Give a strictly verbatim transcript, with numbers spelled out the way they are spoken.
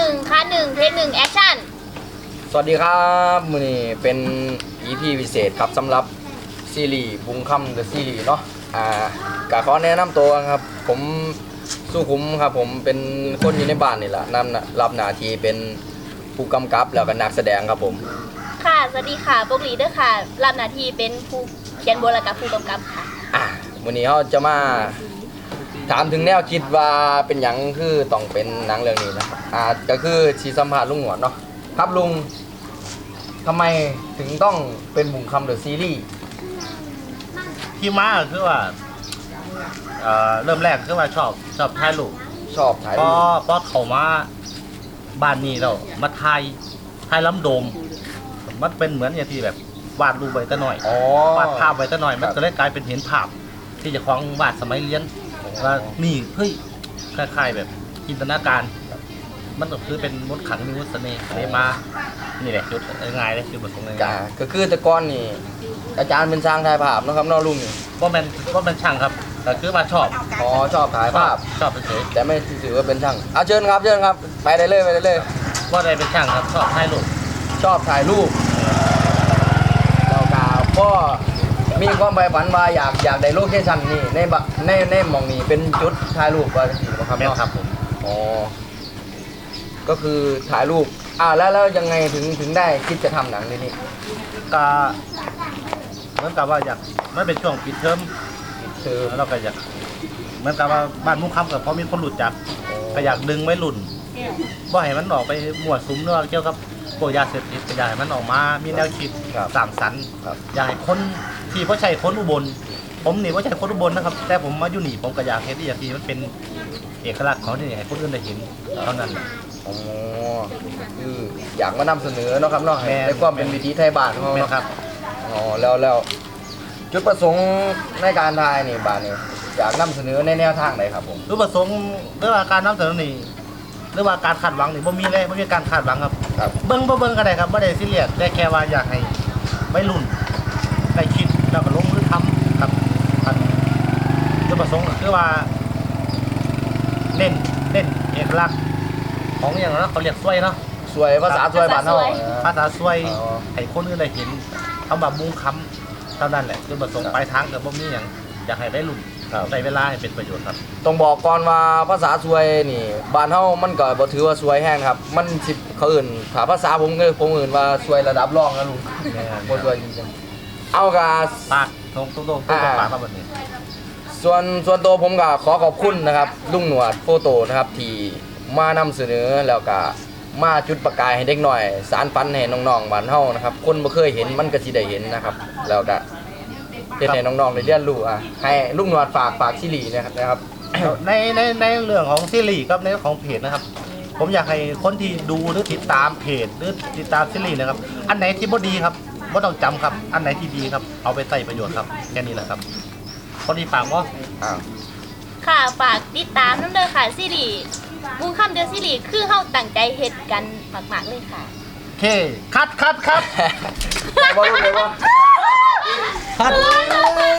นึ่งค่ะหนึ่งเทคหนึ่งแอคชั่นสวัสดีครับมื้อนี้เป็น อี พี พิเศษครับสำหรับซีรีส์บุงค่ำเดอะซีรีส์เนาะอ่ากะขอแนะนำตัวครับผมสุขุมครับผมเป็นคนอยู่ในบ้านนี่แหละนำรับหน้าที่เป็นผู้กำกับแล้วก็นักแสดงครับผมค่ะสวัสดีค่ะปกลีเด้อค่ะรับหน้าที่เป็นผู้เขียนบทและกับผู้กำกับค่ะอ่ะมื้อนี้เราจะมาถามถึงแนวคิดว่าเป็นหยังคือต้องเป็นหนังเรื่องนี้นะครับอ่าก็คือสิสัมภาษณ์ลุงหนวดเนาะครับลุงทำไมถึงต้องเป็นบุงคำเดอะซีรีส์ที่มาคือว่าเอ่อเริ่มแรกคือว่าชอบชอบถ่ายรูปชอบถ่ายพอรูปพอเข้ามาบ้านนี้เรามาถ่ายถ่ายล้ำโดมมันเป็นเหมือนอย่างที่แบบวาดรูปไว้แต่หน่อยอ๋อวาดภาพไว้แต่หน่อยมันก็เลยกลายเป็นเห็นภาพที่จะคล้องวาดสมัยเรียนว่านี่เฮ้ยคล้ายๆแบบจินตนาการมันก็คือเป็นมดขังมีมดเสน่ห์เลยมานี่แหละจุดง่ายเลยจุดประสงค์ง่ายก็คือแต่ก่อนนี่อาจารย์เป็นช่างถ่ายภาพนะครับน้องลุงนี่ก็เป็นก็เป็นช่างครับแต่คือว่าชอบอ๋อชอบถ่ายภาพชอบเฉยแต่ไม่ถือว่าเป็นช่างเอาเชิญครับเชิญครับไปได้เลยไปได้เลยว่าได้เป็นช่างครับชอบถ่ายรูปชอบถ่ายรูปเรากาก็มีความใฝ่ฝันว่าอยากอยากได้โลเคชั่นนี่ในบในในหม่องนี้เป็นจุดถ่ายรูปว่าจังซี่บ่ครับเนาะครับผมอ๋อก็คือถ่ายรูปอ่าแล้วแล้วยังไงถึงถึงได้คิดจะทำหนังเรื่องนี้ก็เหมือนกับว่าอยากไม่เป็นช่วงปิดเทอมคือเราก็อยากเหมือนกับว่าบ้านมุ่งคำกับพอมีคนหลุดจักก็อยากดึงไว้หลุ่นบ่ให้มันออกไปมั่วสุมเรื่องเกี่ยวกับพวกยาเสพติดก็อยากให้มันออกมามีแนวคิดสร้างสรรค์อยากให้คนที่พ่อชัยคนอุบลผมนี่พ่อชัยคนอุบลนะครับแต่ผมมาอยู่นี่ผมก็อยากเห็นที่อยากที่มันเป็นเอกลักษณ์ของที่ให้คนอื่นได้เห็นเท่านั้นอ๋อคืออยากมานำเสนอเนาะครับเนาะในความเป็นวิถีไทยบ้านของเราครับอ๋อแล้วแล้วจุดประสงค์ในการถ่ายนี่บ้านนี่อยากนำเสนอในแนวทางไหนครับผมจุดประสงค์หรือว่าการนำเสนอนี่หรือว่าการคาดหวังนี่บ่มีเลยบ่มีการคาดหวังครับเบิ่งบ่เบิ่งก็ได้ครับบ่ได้ซีเรียสได้แค่ว่าอยากให้วัยรุ่นได้คิดแล้วก็ลงมือทำครับจุดประสงค์ก็คือว่าเน้นเน้นเอกลักษณ์ของอย่างนั้นเขาเรียกสวยเนาะสวยภาษาสวยบ้านเฮาภาษาสวยให้คนอื่นได้เห็นคำว่ามุ้งคำเท่านั้นแหละจุดประสงค์ปลายทางก็บ่มีหยังอยากให้วัยรุ่นใช้เวลาให้เป็นประโยชน์ครับต้องบอกก่อนว่าภาษาสวยนี่บ้านเฮามันก็บ่ถือว่าสวยแห้งครับมันสิเขาอื่นถ้าภาษาผมก็ผมอื่นว่าสวยระดับรองนะลุงบ่สวยจริงๆเอากะปากตรงตรงตรงปากครับบัดนี้ส่วนส่วนตัวผมก็ขอขอบคุณนะครับลุงหนวดโฟโต้นะครับที่มานำเสนอแล้วก็มาจุดประกายให้เด็กหน่อยสารฝันให้น้องๆบ้านเฮานะครับคนบ่เคยเห็นมันก็สิได้เห็นนะครับแล้วก็เฮ็ดให้น้องๆได้เรียนรู้อ่ะให้ลุงหนวดฝากฝากซีรีส์นะครับนะครับในในในเรื่องของซีรีส์กับในของเพจนะครับผมอยากให้คนที่ดูหรือติดตามเพจหรือติดตามซีรีส์นะครับอันไหนที่บ่ดีครับบ่ต้องจำครับอันไหนที่ดีครับเอาไปใช้ประโยชน์ครับแค่นี้แหละครับคนที่ฝากว่าอ้าวค่ะฝากติดตามน้ำเด้อค่ะซีรีส์บุงค่ำเดอะซีรีส์คือเฮาตั้งใจเฮ็ดกันมากๆเลยค่ะโอเคคัดคัดคัดบ่รู้เลยว่าคัด